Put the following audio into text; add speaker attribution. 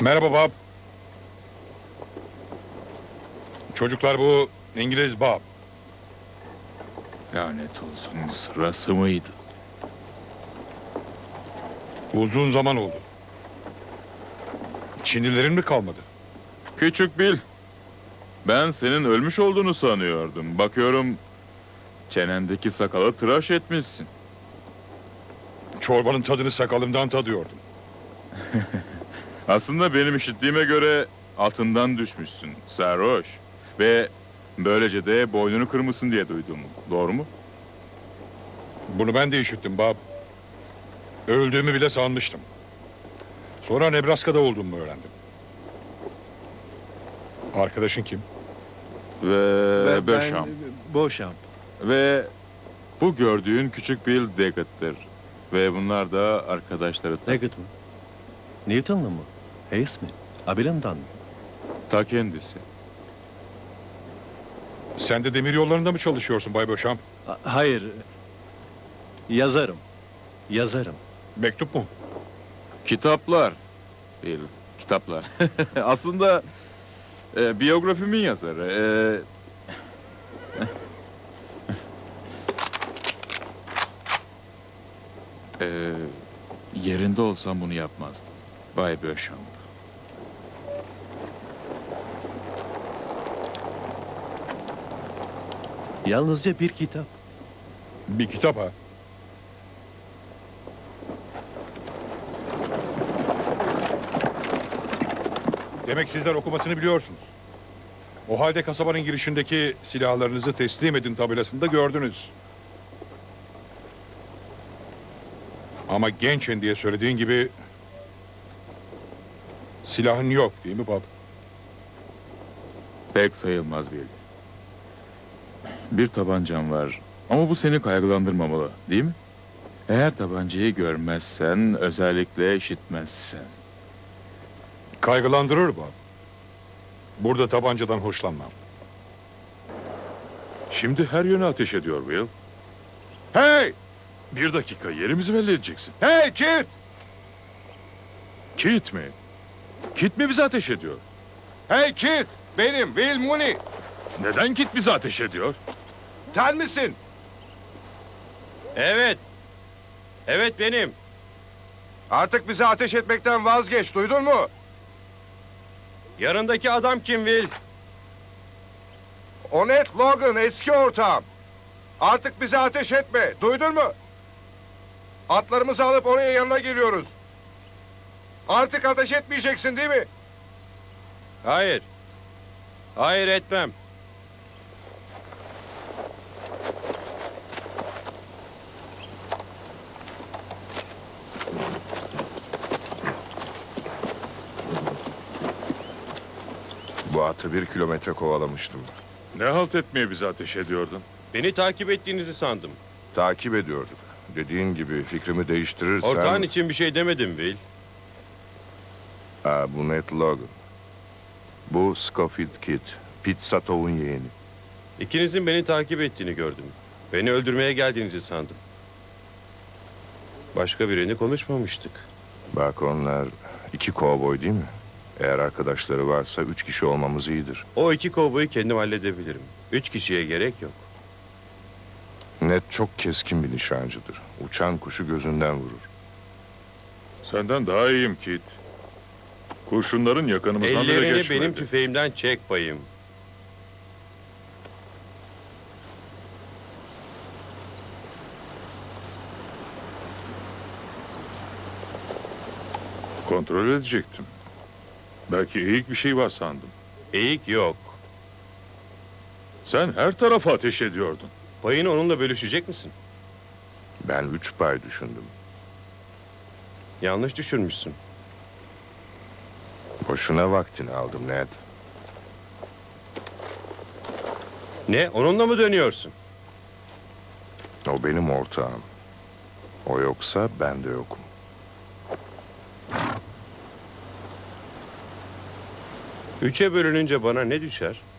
Speaker 1: Merhaba Bob. Çocuklar bu İngiliz Bob.
Speaker 2: Lanet olsun, sırası mıydı?
Speaker 1: Uzun zaman oldu. Çinlilerin mi kalmadı?
Speaker 2: Küçük Bill. Ben senin ölmüş olduğunu sanıyordum. Bakıyorum çenendeki sakalı tıraş etmişsin.
Speaker 1: Çorbanın tadını sakalımdan tadıyordum.
Speaker 2: Aslında benim işittiğime göre atından düşmüşsün, sarhoş. Ve böylece de boynunu kırmışsın diye duydum. Doğru mu?
Speaker 1: Bunu ben de işittim Bob. Öldüğümü bile sanmıştım. Sonra Nebraska'da olduğumu öğrendim. Arkadaşın kim?
Speaker 2: Ve Beauchamp.
Speaker 3: Beauchamp.
Speaker 2: Ve bu gördüğün küçük Bill Daggett'tir. Ve bunlar da arkadaşları.
Speaker 3: Daggett mı? Newton'lu mu? Hayes mi? Abilam'dan mı?
Speaker 2: Ta kendisi.
Speaker 1: Sen de demir yollarında mı çalışıyorsun Bay Beauchamp?
Speaker 3: Hayır. Yazarım. Yazarım.
Speaker 1: Mektup mu?
Speaker 2: Kitaplar. Değil, kitaplar. Aslında biyografimin yazarı. Yerinde olsam bunu yapmazdım. Bay Beauchamp.
Speaker 3: Yalnızca bir kitap.
Speaker 1: Bir kitap ha. Demek sizler okumasını biliyorsunuz. O halde kasabanın girişindeki silahlarınızı teslim edin tabelasında gördünüz. Ama gençen diye söylediğin gibi silahın yok değil mi Bob?
Speaker 2: Pek sayılmaz Bill. Bir tabancam var. Ama bu seni kaygılandırmamalı, değil mi? Eğer tabancayı görmezsen, özellikle işitmezsen.
Speaker 1: Kaygılandırır Bob. Burada tabancadan hoşlanmam.
Speaker 4: Şimdi her yöne ateş ediyor Will.
Speaker 1: Hey!
Speaker 4: Bir dakika, yerimizi belli edeceksin.
Speaker 1: Hey Kit!
Speaker 4: Kit mi? Kit mi bize ateş ediyor?
Speaker 1: Hey Kit! Benim Will Mooney.
Speaker 4: Neden Kit bize ateş ediyor?
Speaker 1: Sen misin?
Speaker 5: Evet. Evet benim.
Speaker 1: Artık bize ateş etmekten vazgeç, duydun mu?
Speaker 5: Yanındaki adam kim Will?
Speaker 1: Onet Logan, eski ortağım. Artık bize ateş etme, duydun mu? Atlarımızı alıp oraya yanına geliyoruz. Artık ateş etmeyeceksin değil mi?
Speaker 5: Hayır. Hayır etmem.
Speaker 6: Bu atı 1 kilometre kovalamıştım.
Speaker 4: Ne halt etmeye bize ateş ediyordun?
Speaker 5: Beni takip ettiğinizi sandım.
Speaker 6: Takip ediyorduk. Dediğin gibi fikrimi değiştirirsen...
Speaker 5: Ortağın için bir şey demedim Will.
Speaker 6: Bu Ned Logan. Bu Scofield Kid. Pete Satov'un yeğeni.
Speaker 5: İkinizin beni takip ettiğini gördüm. Beni öldürmeye geldiğinizi sandım. Başka birini konuşmamıştık.
Speaker 6: Bak onlar 2 kovboy değil mi? Eğer arkadaşları varsa 3 kişi olmamız iyidir.
Speaker 5: O 2 kovboyu kendim halledebilirim. 3 kişiye gerek yok.
Speaker 6: Ned çok keskin bir nişancıdır. Uçan kuşu gözünden vurur.
Speaker 4: Senden daha iyiyim Kit. Kurşunların yakınımızdan bile
Speaker 5: Ellerini
Speaker 4: geçmedi.
Speaker 5: benim tüfeğimden çek bayım.
Speaker 4: Kontrol edecektim. Belki eğik bir şey var sandım.
Speaker 5: Eğik yok.
Speaker 4: Sen her tarafa ateş ediyordun.
Speaker 5: Payını onunla bölüşecek misin?
Speaker 6: Ben 3 pay düşündüm.
Speaker 5: Yanlış düşünmüşsün.
Speaker 6: Boşuna vaktini aldım Ned.
Speaker 5: Ne? Onunla mı dönüyorsun?
Speaker 6: O benim ortağım. O yoksa ben de yokum.
Speaker 5: Üçe bölününce bana ne düşer?